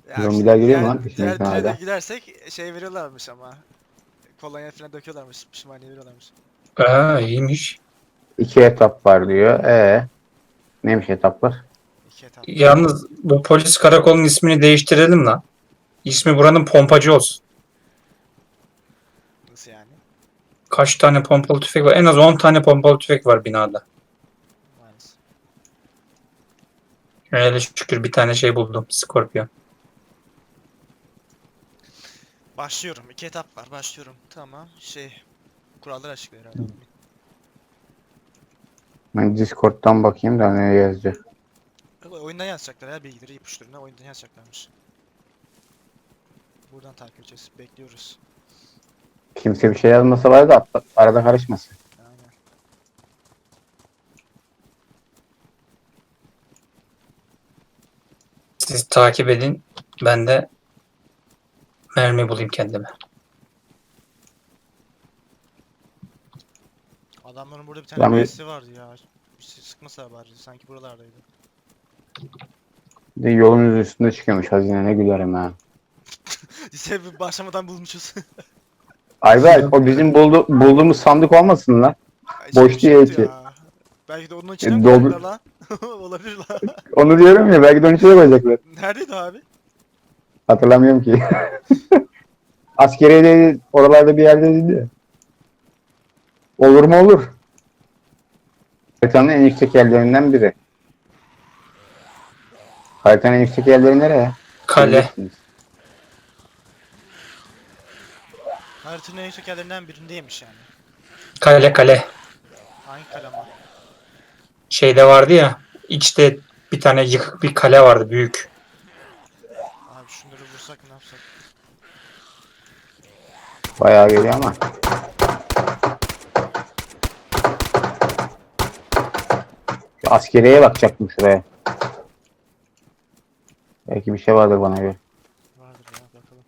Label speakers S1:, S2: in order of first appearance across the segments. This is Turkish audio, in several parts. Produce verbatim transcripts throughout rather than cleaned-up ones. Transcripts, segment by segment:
S1: Ya işte
S2: Zombiler geliyor mu
S1: diğer
S2: lan
S1: diğer
S2: peşimizden
S1: dünyaya da
S2: hala?
S1: gidersek şey veriyorlarmış ama. Kolonya falan döküyorlarmış. Pişmaniye veriyorlarmış.
S3: Aa, iyiymiş.
S2: İki etap var diyor. E neymiş etaplar?
S1: İki etap var.
S3: Yalnız bu polis karakolunun ismini değiştirelim lan. İsmi buranın pompacı olsun.
S1: Nasıl yani?
S3: Kaç tane pompalı tüfek var? En az on tane pompalı tüfek var binada.
S1: Maalesef.
S3: Öyle şükür bir tane şey buldum. Scorpion.
S1: Başlıyorum. İki etap var. Başlıyorum. Tamam. Şey. Kuralları açıklıyor herhalde admin.
S2: Ben Discord'dan bakayım da ne yazacak.
S1: Ama oyundan yazacaklar ya bilgileri ipuçlarına oyundan yazacaklarmış. Buradan takip edeceğiz. Bekliyoruz.
S2: Kimse bir şey yazmasa var da atla- arada karışmasın.
S1: Aynen.
S3: Siz takip edin. Ben de mermi bulayım kendime.
S1: Adamların burada bir tane
S2: Ben bir,
S1: birisi vardı ya. Bir şey sıkmasa bari. Sanki buralardaydı.
S2: bir de yolun üstünde çıkıyormuş hazine ne gülerim ha.
S1: Lise başlamadan bulmuşuz.
S2: Ayberk o bizim buldu, bulduğumuz sandık olmasın lan.
S1: Ay, içinde bir
S2: Boş
S1: şey
S2: değil
S1: yoktu
S2: ki.
S1: ya. Belki de onun içine mi
S2: E, doldur.
S1: koyacaklar lan? Olabilir lan.
S2: Onu diyorum ya belki de onun içine koyacaklar.
S1: Neredeydi abi?
S2: Hatırlamıyorum ki. Askeriye oralarda bir yerdeydi ya. Olur mu olur. Haritanın en yüksek yerlerinden biri. Haritanın en yüksek yerleri nereye?
S3: Kale.
S2: Bileceksiniz.
S1: Haritanın en yüksek yerlerinden birindeymiş yani.
S3: Kale kale.
S1: Hangi kalama?
S3: Şeyde vardı ya. İçte bir tane yıkık bir kale vardı büyük.
S1: Abi şunları vursak ne yapsak?
S2: Bayağı geliyor ama. Şu askeriyeye bakacaktım şuraya. Belki bir şey vardır bana göre.
S1: Vardır ya bakalım.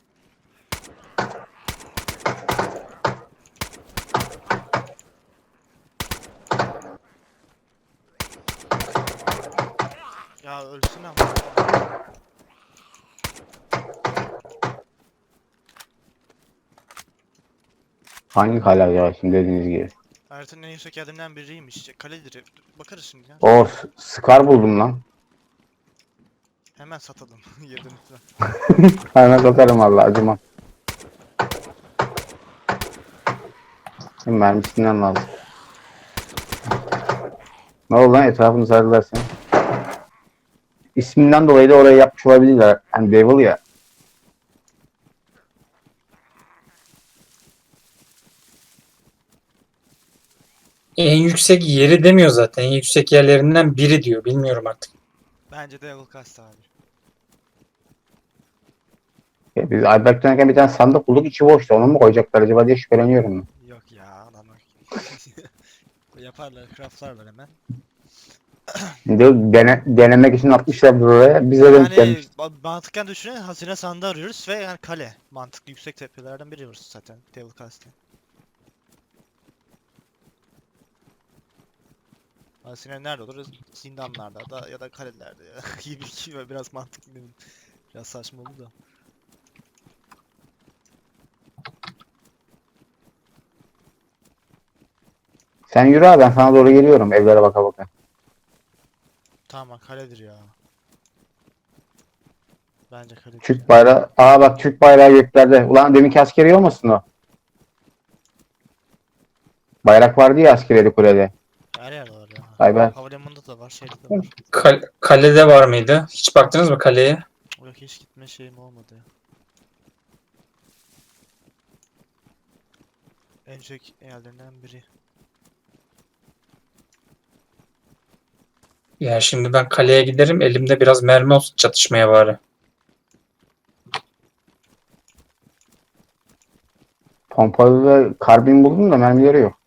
S1: Ya ölsün ama.
S2: Hangi kale acaba şimdi dediğiniz gibi.
S1: Haritanın en yüksek yerlerinden biriymiş. İşte kaledir. Bakarız şimdi ya.
S2: O S- Scar buldum lan.
S1: Hemen satalım. Yerden lütfen.
S2: Hemen satarım valla acımam. Şimdi mermisinden lazım. Ne oldu lan etrafını sardılar sen. İsminden dolayı da orayı yapmış olabilirler. Hani Devil ya.
S3: En yüksek yeri demiyor zaten. En yüksek yerlerinden biri diyor. Bilmiyorum artık.
S1: Bence de Devil Cast abi.
S2: Ya biz Ayberk dönerken bir tane sandık bulduk içi boştu. Onu mu koyacaklar acaba diye şüpheleniyorum ben.
S1: Yok ya adamlar. Yaparlar, craftlarlar hemen.
S2: Şimdi dene, denemek için atmışlar buraya. Bize denk
S1: Yani
S2: gelmiş.
S1: ba- mantıken düşünün hazine sandığı arıyoruz ve yani kale. Mantıklı yüksek tepelerden biri burası zaten Devil Cast'in. Hazine nerede olur? Zindanlarda da ya da kalelerde ya. Gibi gibi biraz mantıklı değil mi? Biraz saçma oldu da.
S2: Sen yürü abi ben sana doğru geliyorum evlere baka baka.
S1: Tamam kaledir ya. Bence kaledir ya.
S2: Türk bayrağı. Aa bak Türk bayrağı göklerde. Ulan deminki askeri olmasın o? Bayrak vardı ya askeriyeli kulede.
S1: Her yerde var ya.
S2: Ayber.
S1: Havalimanında da var, şeyde de var.
S3: Kal- kalede var mıydı? Hiç baktınız mı kaleye?
S1: Yok hiç gitme şeyim olmadı ya. En yüksek yerlerinden biri.
S3: Ya şimdi ben kaleye giderim. Elimde biraz mermi olsun çatışmaya bari.
S2: Pompalı ve karbin buldum da mermileri yok.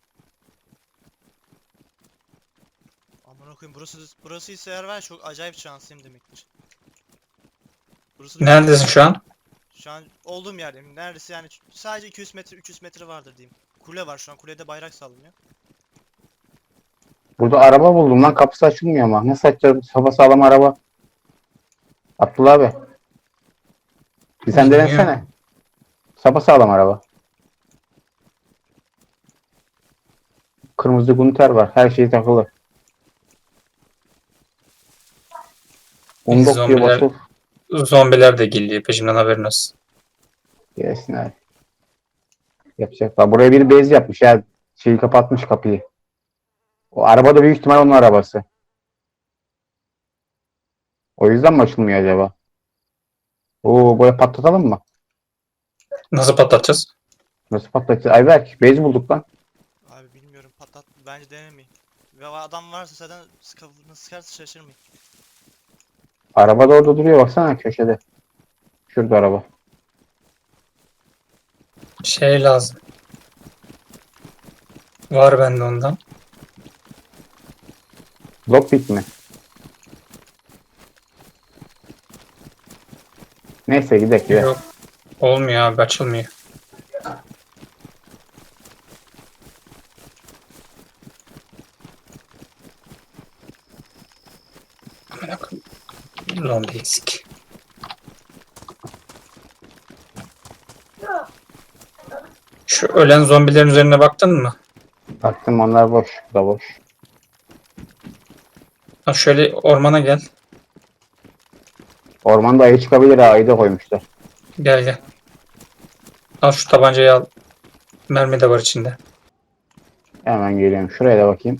S1: Aman okuyayım burası burası ise eğer var çok acayip şanslıyım demektir. Burası
S3: Neredesin şu an?
S1: Şu an olduğum yerdeyim. Neredeyse yani sadece iki yüz metre üç yüz metre vardır diyeyim. Kule var şu an. Kulede bayrak sallanıyor.
S2: Burada araba buldum lan kapısı açılmıyor ama. Nasıl açacağız sapa sağlam araba? Abdullah abi. Bir sen
S3: Bilmiyorum.
S2: denesene. Sapasağlam araba. Kırmızı gunter var. Her şey takılı. Undok diye
S3: Zombiler,
S2: basıp
S3: zombiler de geliyor peşimden, haberin olsun.
S2: gelsin abi. Yapacak. Bak buraya bir bez yapmış ya. Şeyi kapatmış kapıyı. O araba da büyük ihtimal onun arabası. O yüzden mi açılmıyor acaba? Oo böyle patlatalım mı?
S3: Nasıl patlatacağız?
S2: Nasıl patlatacağız? Ayberk bez bulduk lan.
S1: Abi bilmiyorum, patlat. Bence denemeyin. Ve adam varsa zaten kafasını sıkarsa şaşırmayın.
S2: Araba da orada duruyor baksana köşede. Şurada araba.
S3: Şey lazım. Var bende ondan.
S2: Lockpick mi? Neyse gidelim ya.
S3: Yok. Olmuyor abi, açılmıyor. Amına koyayım. Zombi eksik. Şu ölen zombilerin üzerine baktın mı?
S2: Baktım onlar boş. Bu da boş.
S3: Ha, şöyle ormana gel.
S2: Ormanda ayı çıkabilir ha. Ayı da koymuşlar.
S3: Gel gel. Al şu tabancayı al. Mermi de var içinde.
S2: Hemen geliyorum. Şuraya da bakayım.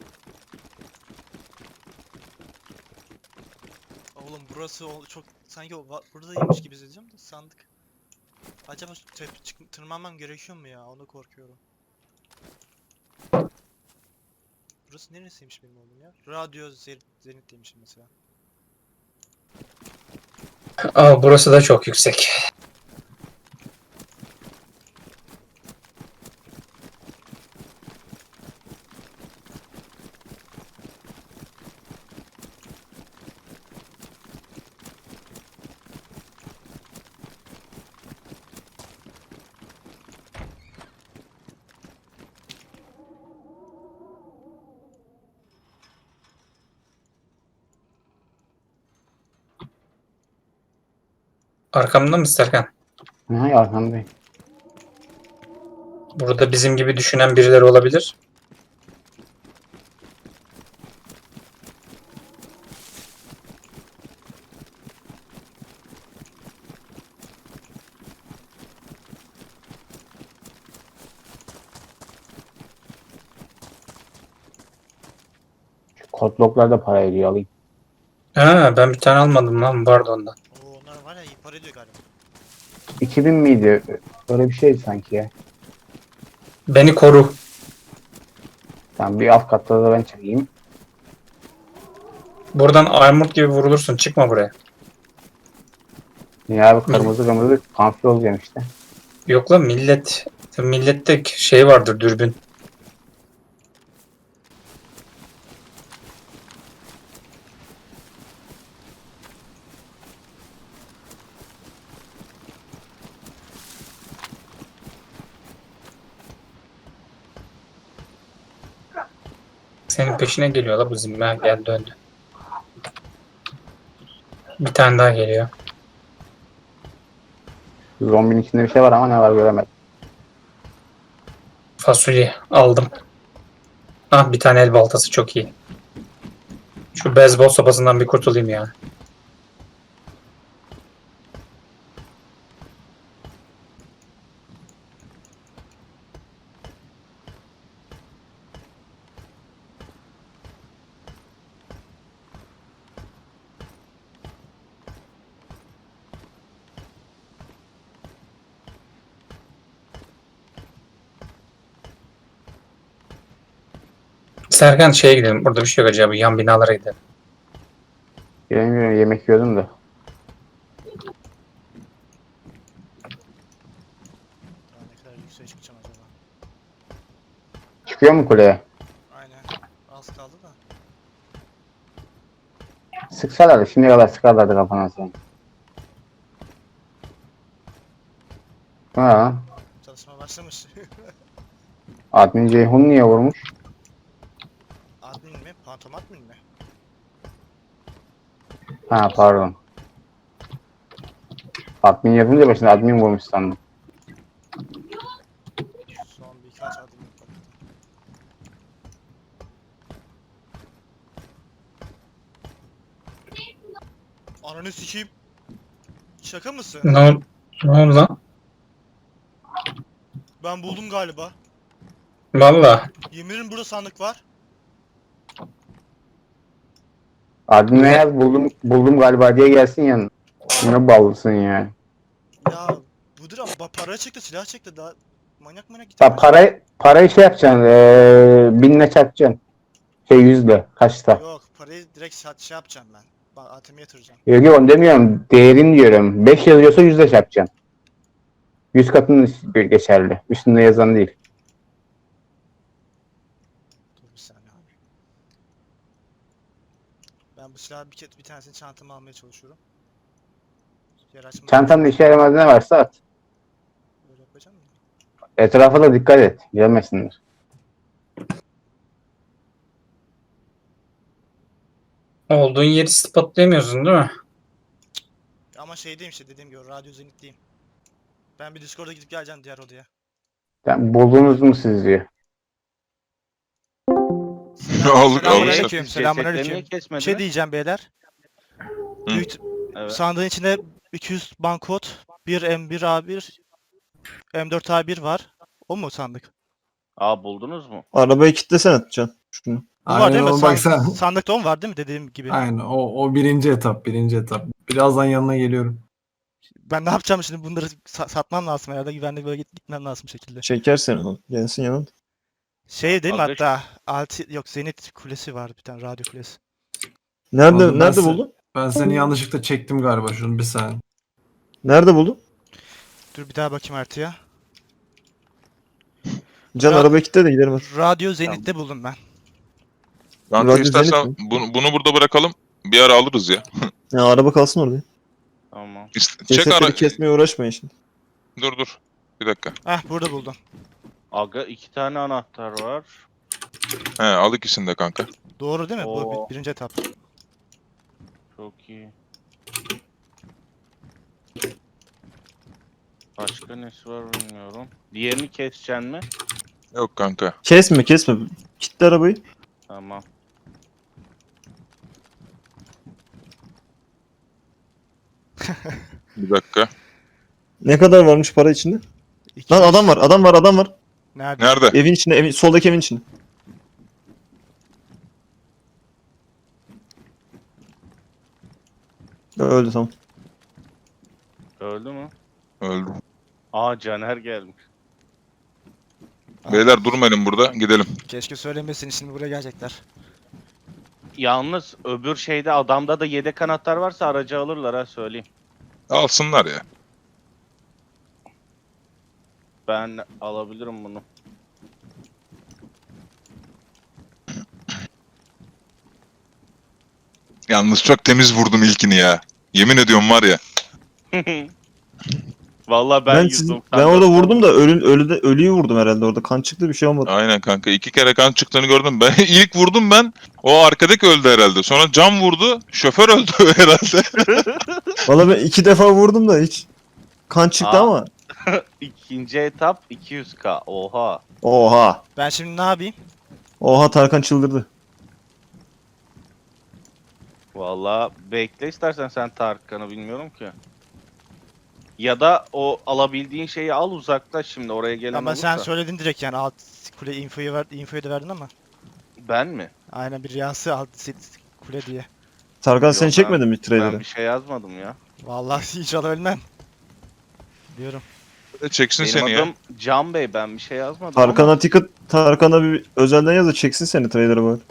S1: Oğlum burası o- çok sanki o va- buradaymış gibi hissediyorum da sandık. Acaba tep- çık- tırmanmam gerekiyor mu ya? Onu korkuyorum. Burası neresiymiş benim oğlum ya? Radyo Zer- Zenit demişim mesela.
S3: Aa, burası da çok yüksek. Arkamda mı Serkan?
S2: Ne arkamdayım.
S3: Burada bizim gibi düşünen birileri olabilir.
S2: Şu kodloklar da para ediyor alayım.
S3: Ha, ben bir tane almadım lan, vardı ondan.
S1: Oo, onlar var ya, iyi para ediyor galiba.
S2: iki bin miydi? Öyle bir şeydi sanki ya.
S3: Beni koru.
S2: Tamam bir alt katta da ben çekeyim.
S3: Buradan armut gibi vurulursun. Çıkma buraya.
S2: Ya abi kırmızı kırmızı kamufle olacağım işte.
S3: Yok lan, millet. Millette şey vardır, dürbün. Senin peşine geliyor la bu zimmer. Gel döndü. Bir tane daha geliyor.
S2: Zombinin içinde bir şey var ama ne var göremedim.
S3: Fasulye aldım. Ah, bir tane el baltası çok iyi. Şu beyzbol sopasından bir kurtulayım ya. Serkan şeye gidelim. Burada bir şey yok acaba. Yan binalara gidelim.
S2: Bilemiyorum yemek yiyordum da.
S1: Daha ne kadar yükseğe çıkacağım acaba?
S2: Çıkıyor mu kuleye?
S1: Aynen. Az kaldı da.
S2: Sıksalardı. Şimdiye kadar sıkarlardı kafana sen. Ha.
S1: Çalışma başlamış.
S2: Admin Ceyhun niye vurmuş?
S1: Admin mi? Pantom admin mi?
S2: Ha pardon. Admin yapınca başına admin vurmuş sandım.
S1: Son birkaç adım yapalım. Ananı sikeyim. Şaka mısın?
S3: Ne, ol- ne oldu lan?
S1: Ben buldum galiba.
S3: Valla.
S1: Yemin ederim burada sandık var.
S2: Admin'e
S3: Ne?
S2: yaz buldum, buldum galiba diye gelsin yanına. Ne ballısın ya.
S1: Ya budur ama ba- para çıktı, silah çıktı daha manyak manyak
S2: Ya
S1: gidiyor.
S2: parayı, parayı şey yapacaksın. Eee binle çarpacaksın. Şey yüzle. Kaçta?
S1: Yok, parayı direkt sat şey yapacağım ben. Bak A T M'ye yatıracağım.
S2: Yok yok onu demiyorum. Değerini diyorum. beş yazıyorsa yüzle çarpacaksın. yüz katın geçerli. Üstünde yazan değil.
S1: Dur bir saniye abi. Ben bu silahı bir kez bir tanesini çantama almaya çalışıyorum. Yer açmaya
S2: Çantanda işe yaramaz ne varsa at.
S1: böyle yapacağım mı?
S2: Etrafa da dikkat et. Gelmesinler.
S3: Olduğun yeri spotlayamıyorsun değil mi?
S1: Ama şeydeyim işte dediğim gibi radyo zenitteyim. Ben bir Discord'a gidip geleceğim diğer odaya.
S2: Yani buldunuz mu siz diyor.
S1: Selam,
S4: Olduk,
S1: selamünaleyküm.
S4: olduk.
S5: Cesetleri
S1: Selamünaleyküm.
S5: niye
S1: Bir
S5: kesmediniz?
S1: şey diyeceğim beyler.
S4: Hı.
S1: Büyük,
S5: Evet.
S1: sandığın içinde iki yüz bankot, bir M bir A bir, M dört A bir var. O mu sandık?
S5: Aa buldunuz mu?
S6: Arabayı kilitlesene Can. Şunu.
S1: Bu var
S7: Aynen
S1: değil mi?
S7: o,
S1: San-
S7: bak sen.
S1: sandıkta o mu var değil mi dediğim gibi?
S7: Aynen o, o birinci etap birinci etap. Birazdan yanına geliyorum.
S1: Ben ne yapacağım şimdi bunları sa- satmam lazım herhalde güvenli bölgeye gitmem lazım bir şekilde.
S6: Çeker seni o. Gelsin yanına.
S1: Şey değil mi
S5: Aga-
S1: hatta altı yok Zenit kulesi var bir tane radyo kulesi.
S6: Nerede
S7: Oğlum ben
S6: nerede
S7: se-
S6: buldun?
S7: Ben seni yanlışlıkla çektim galiba şunu bir saniye.
S6: Nerede buldun?
S1: Dur bir daha bakayım haritaya.
S6: Can
S1: Ya-
S6: arabayı kilitle de gidelim hadi.
S1: Radyo Zenit'te buldum ben.
S4: Kanka
S6: Radyo
S4: istersen
S6: Zenit
S4: bunu, bunu burada bırakalım. Bir ara alırız ya.
S6: Ya araba kalsın orada.
S5: Tamam.
S4: İst- Çek
S6: Cesetleri
S4: ara...
S6: kesmeye uğraşmayın şimdi.
S4: Dur dur. Bir dakika.
S1: Heh burada buldum.
S5: Aga iki tane anahtar var.
S4: He al ikisini de kanka.
S1: Doğru değil mi? Bu
S5: Oo.
S1: bir- birinci etap.
S5: Çok iyi. Başka nesi var bilmiyorum. Diğerini keseceksin mi?
S4: Yok kanka.
S6: Kesme kesme. Kilitle arabayı.
S5: Tamam.
S4: Bir dakika.
S6: Ne kadar varmış para içinde?
S1: İki
S6: Lan
S1: yüz-
S6: adam var adam var adam var.
S1: Nerede?
S4: Nerede?
S6: Evin içinde evin, soldaki evin içinde. Öldü tamam.
S5: Öldü mü?
S4: Öldü.
S5: Aa Caner gelmiş.
S4: Beyler durmayın burada. Gidelim.
S1: Keşke söylemesin şimdi buraya gelecekler.
S5: Yalnız öbür şeyde adamda da yedek anahtar varsa aracı alırlar ha söyleyeyim.
S4: Alsınlar ya.
S5: Ben alabilirim bunu.
S4: Yalnız çok temiz vurdum ilkini ya. Yemin ediyorum var ya.
S5: Vallahi ben,
S6: Ben,
S5: yüz
S6: siz-
S5: doksan
S6: ben orada
S5: dört
S6: vurdum da ölü, ölüde, ölüyü vurdum herhalde orada. Kan çıktı bir şey olmadı.
S4: Aynen kanka. İki kere kan çıktığını gördüm. Ben ilk vurdum ben. O arkadaki öldü herhalde. Sonra cam vurdu. Şoför öldü herhalde.
S6: Valla ben iki defa vurdum da hiç. Kan çıktı
S5: Aa.
S6: ama.
S5: İkinci etap iki yüz K. Oha.
S6: Oha.
S1: Ben şimdi ne yapayım?
S6: Oha Tarkan çıldırdı.
S5: Vallahi bekle istersen sen Tarkan'ı bilmiyorum ki. Ya da o alabildiğin şeyi al uzaklaş şimdi oraya gelen
S1: Ama
S5: olursa.
S1: sen söyledin direkt yani alt kule infoyu ver infoyu da verdin ama.
S5: Ben mi?
S1: Aynen bir riyası alt sit kule diye.
S6: Tarkan
S5: Yok,
S6: seni
S5: ben-
S6: çekmedi mi
S5: Ben
S6: trailer'e?
S5: bir şey yazmadım ya.
S1: Vallahi inşallah ölmem. Diyorum.
S4: Çeksin
S5: Benim
S4: seni ya.
S5: adım Can Bey, ben bir şey yazmadım
S6: Tarkan'a
S5: ama.
S6: ticket, Tarkan'a bir özelden yaz da çeksin seni trailer'e bari.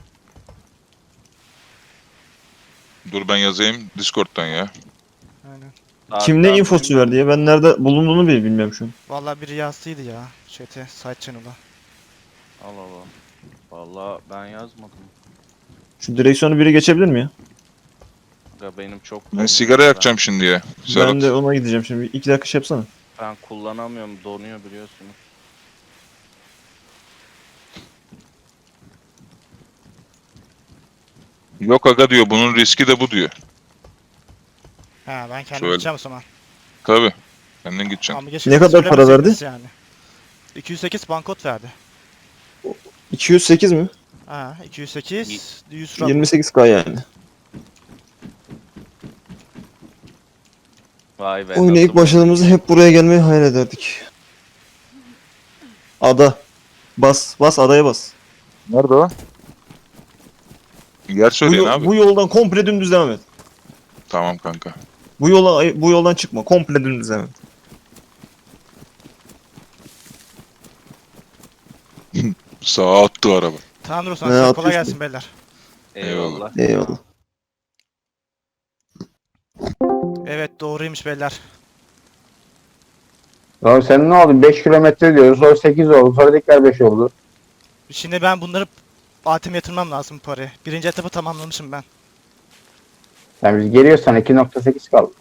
S4: Dur ben yazayım Discord'dan ya.
S1: Aynen.
S6: Kim ne
S5: Tarkan
S6: infosu
S5: benim-
S6: verdi ya? Ben nerede bulunduğunu bile bilmiyorum şu an.
S1: Vallahi bir riyasıydı ya. Chat'e side channel'a.
S5: Al al al. Vallahi ben yazmadım.
S6: Şu direksiyonu biri geçebilir mi ya?
S5: Ya benim çok
S4: Ben
S5: donuyor
S4: sigara
S5: ya.
S4: yakacağım şimdi ya. Serhat.
S6: Ben de ona gideceğim şimdi. Bir iki dakika şey yapsana.
S5: Ben kullanamıyorum, donuyor biliyorsunuz.
S4: Yok aga diyor. Bunun riski de bu diyor.
S1: Ha ben kendim
S4: Söyle.
S1: gideceğim o zaman.
S4: Tabii. Kendin gideceksin.
S1: Ama geç
S6: Ne kadar para
S1: söylemeseydiniz Yani. iki yüz sekiz bankot verdi.
S6: iki yüz sekiz mi?
S1: Ha, iki yüz sekiz, yüz rap.
S6: yirmi sekiz K yani.
S5: Vay be.
S6: Oyuna
S5: nasıl
S6: ilk başladığımızda hep buraya gelmeyi hayal ederdik. Ada. Bas. Bas adaya bas.
S4: Nerede o? Yer
S6: Bu,
S4: söyleyin
S6: yo-
S4: abi.
S6: bu yoldan komple dümdüz devam et.
S4: Tamam kanka.
S6: Bu yola bu yoldan çıkma. Komple dümdüz devam et.
S4: Sağa attı araba.
S1: Tamamdır o
S6: Ne
S1: zaman. Size kolay
S6: atıyorsun?
S1: gelsin beyler.
S5: Eyvallah.
S6: Eyvallah.
S1: Evet doğruymuş beyler.
S2: Oğlum sen ne oldu? beş kilometre diyoruz. Sonra sekiz oldu. Sonra tekrar beş oldu.
S1: Şimdi ben bunları A T M'ye yatırmam lazım bu parayı. Birinci etapı tamamlamışım ben.
S2: Yani biz geliyorsan iki nokta sekiz kaldı.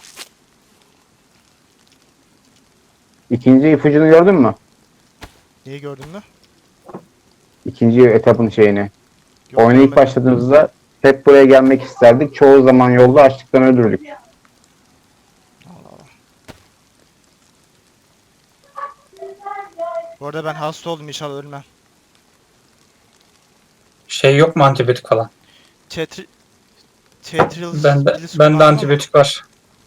S2: İkinci ipucunu gördün mü?
S1: Neyi gördün mü?
S2: İkinci etapın şeyini.
S1: Yok,
S2: Oyuna ilk
S1: görmedim.
S2: başladığımızda hep buraya gelmek isterdik. Çoğu zaman yolda açlıktan öldürdük.
S1: Allah Allah. Bu arada ben hasta oldum, inşallah ölmem.
S3: Şey yok mu antibiyotik falan?
S1: Tetri... Tetril...
S3: Bende,
S1: Bilis
S3: bende
S1: kullandım
S3: antibiyotik var.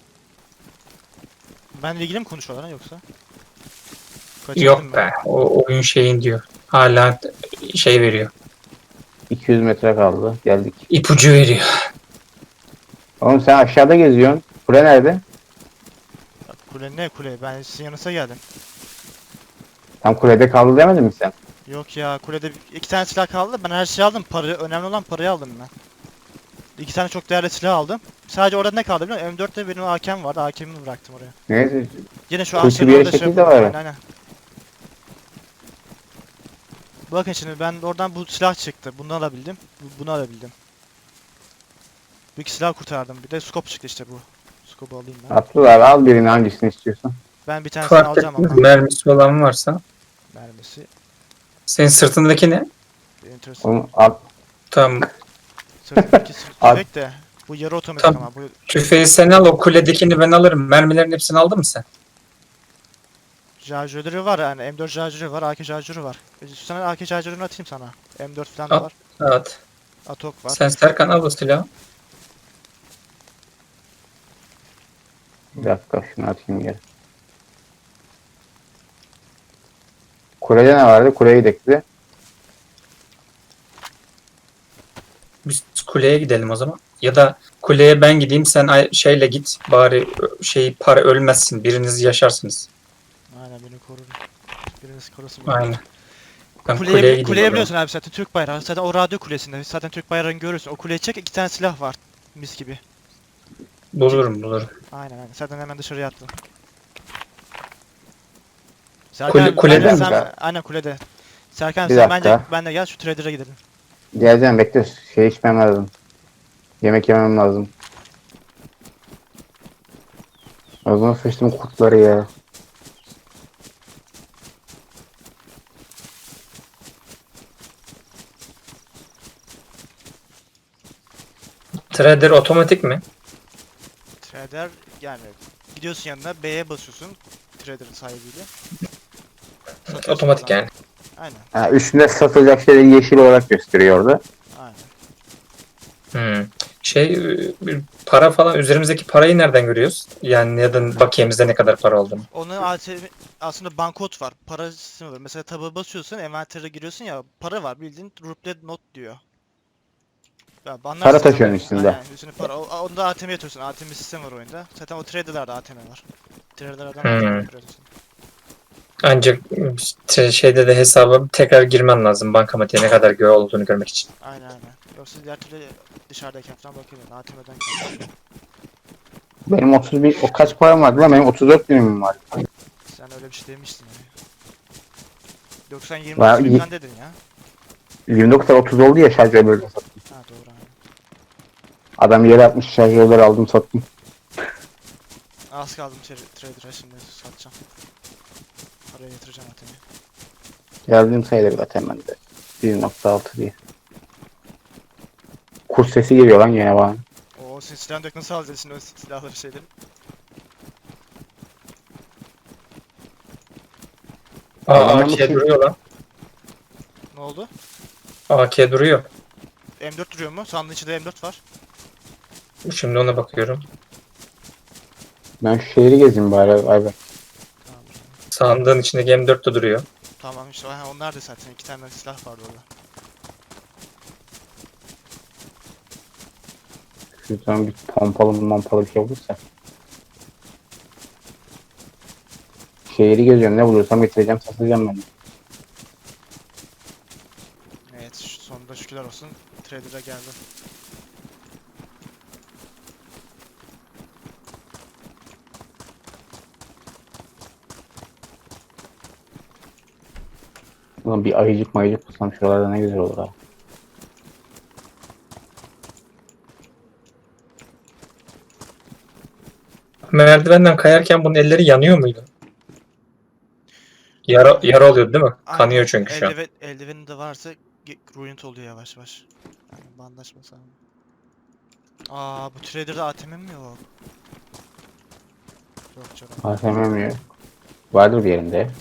S1: ama Benle ilgili mi konuşuyorlar ha yoksa?
S3: Yok
S1: Kaçırdım
S3: be.
S1: ben.
S3: O oyun şeyin diyor. Hala şey veriyor.
S2: iki yüz metre kaldı. Geldik.
S3: İpucu veriyor.
S2: Oğlum sen aşağıda geziyorsun. Kule nerede?
S1: Ya Kule ne kule? Ben sizin yanınıza geldim.
S2: Tam kulede kaldı demedin mi sen?
S1: Yok ya, kulede iki tane silah kaldı. Ben her şeyi aldım. Parayı, önemli olan parayı aldım ben. İki tane çok değerli silah aldım. Sadece orada ne kaldı biliyor musun? M dörtte benim A K'm vardı. A K'mi bıraktım oraya.
S2: Neyse.
S1: Yine şu
S2: Kuytu
S1: ağaçların
S2: bir
S1: orada şey
S2: şekilde
S1: yapıyorum.
S2: var.
S1: Aynen aynen. Bakın şimdi ben oradan bu silah çıktı. Bunu alabildim. Bu- Bunu alabildim. Bu iki silah kurtardım. Bir de scope çıktı işte bu. Scope'u alayım ben.
S2: Atlılar al birini hangisini istiyorsan.
S1: Ben bir tanesini
S3: Fark
S1: alacağım
S3: etmez.
S1: ama.
S3: Mermisi olan varsa.
S1: Mermisi.
S3: Senin sırtındaki ne?
S1: Enteresan.
S2: Onu al.
S3: Tamam.
S1: Sırtındaki sırt
S2: Al.
S1: tüfek de. Bu yarı otomatik
S3: Tamam.
S1: ama. Bu
S3: Tüfeği sen al, o kuledekini ben alırım. Mermilerin hepsini aldın mı sen?
S1: şarjörleri var yani. M dört şarjörü var. A K şarjörü var. E, Sana A K şarjörünü atayım sana. M dört falan da
S3: At.
S1: var.
S3: Evet.
S1: Atok var.
S3: Sen Serkan al o silahı.
S2: Bir dakika şunu atayım geri. Kulede ne vardı? Kuleye gidelim.
S3: Biz kuleye gidelim o zaman. Ya da kuleye ben gideyim, sen ay- şeyle git. Bari ö- şey para ölmezsin. Biriniz yaşarsınız.
S1: Aynen, beni korur. Biriniz korusun beni.
S3: Aynen. Ben
S1: Kuleye,
S3: kuleye gideyim.
S1: kuleye
S3: o zaman.
S1: biliyorsun abi zaten Türk bayrağı. Zaten o radyo kulesinde. Zaten Türk bayrağını görürsün. O kuleye çek, iki tane silah var. Mis gibi.
S3: Bulurum bulurum.
S1: Aynen aynen. Zaten hemen dışarıya attım.
S3: Kule-
S1: abi,
S3: kulede
S1: bence
S2: mi?
S1: sen, aynen kulede. Serkan
S2: Bir
S1: sen
S2: dakika.
S1: bence ben de gel şu trader'a gidelim.
S2: Geleceğim bekle. Şey içmem lazım. Yemek yemem lazım. O zaman sıçtım kurtları ya.
S3: Trader otomatik mi?
S1: Trader yani gidiyorsun yanına B'ye basıyorsun trader'ın sahibiyle. Satıyorsun
S3: Otomatik
S1: falan.
S3: yani.
S1: Aynen
S2: Ha, üstünde satılacak şeyleri yeşil olarak gösteriyor orada.
S1: aynen.
S3: Hmm. Şey e, para falan, üzerimizdeki parayı nereden görüyoruz? Yani ya da bakiyemizde ne kadar para olduğunu.
S1: Onun A T M aslında bankot var. Para sistemi var. Mesela tabağa basıyorsun, envantere giriyorsun ya, para var bildiğin ruble not diyor. Ya anlarsın
S2: Para
S1: zaten.
S2: taşıyorsun üstünde.
S1: Aynen, üstüne para. O, onda A T M'ye atıyorsun. A T M sistemi var oyunda. Zaten o trader'larda A T M var. Trader'lardan
S3: Hmm.
S1: A T M'ye atıyorsun.
S3: Ancak e, şeyde de hesaba tekrar girmen lazım, bankamatiğe ne kadar göğe olduğunu görmek için.
S1: Aynen aynen. Yoksa diğer türlü dışarıdayken falan bakıyorum. A T M'den kalkıyor.
S2: Benim otuz bir, o kaç param vardı lan? Benim otuz dört birimim var.
S1: Sen öyle bir şey demiştin yani. Yoksa yirmi
S2: Ben
S1: dokuz
S2: y-
S1: bin falan dedin ya.
S2: yirmi dokuzdan otuz oldu ya şarjörleri sattım.
S1: Ha doğru aynen.
S2: Adam yere atmış şarjörleri aldım sattım.
S1: Az kaldım tra- trader'a, şimdi satacağım. Paraya yatıracağım A T M'ye.
S2: Geldiğim sayılır zaten bende. bir nokta altı diye. Kurs sesi geliyor lan gene bana.
S1: Oo, senin silahını dök, nasıl alacağız şimdi o silahları şeyleri?
S3: Aa
S2: Adamlar
S3: A K
S2: nasıl-
S3: duruyor lan.
S1: Ne oldu?
S3: A K duruyor.
S1: M dört duruyor mu? Sandığın içinde M dört var.
S3: Şimdi ona bakıyorum.
S2: Ben şu şehri gezeyim bari Ayber.
S1: Tamam.
S3: Sandığın içindeki M dört de duruyor.
S1: Tamam işte ha, onlar da zaten iki tane silah vardı orada.
S2: Şuradan bir pompalı mampalı bir şey olursa. Şehri geziyorum, ne bulursam getireceğim, satacağım ben.
S1: Evet şu- sonunda şükürler olsun trader'a geldi.
S2: Ulan bir ayıcık mayıcık bulsam şuralarda ne güzel olur ha.
S3: Merdivenden kayarken bunun elleri yanıyor muydu? Yara, yara oluyor değil mi? Kanıyor
S1: Aynen,
S3: çünkü şu an.
S1: eldiven, eldiveni de varsa ge- ruined oluyor yavaş yavaş. Yani bandaj mesela. Aa bu trader'da A T M mi yok? Yok canım.
S2: A T M mi yok? Vardır bir yerinde.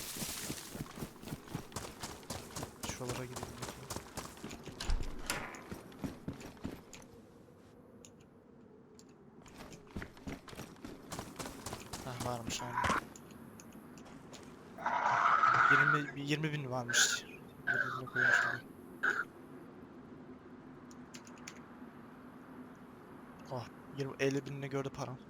S1: Şuralara gideyim. Heh varmış aynen. yirmi, yirmi bin varmış. yirmi bine koymuş gibi. Oh yirmi, elli binini gördü param.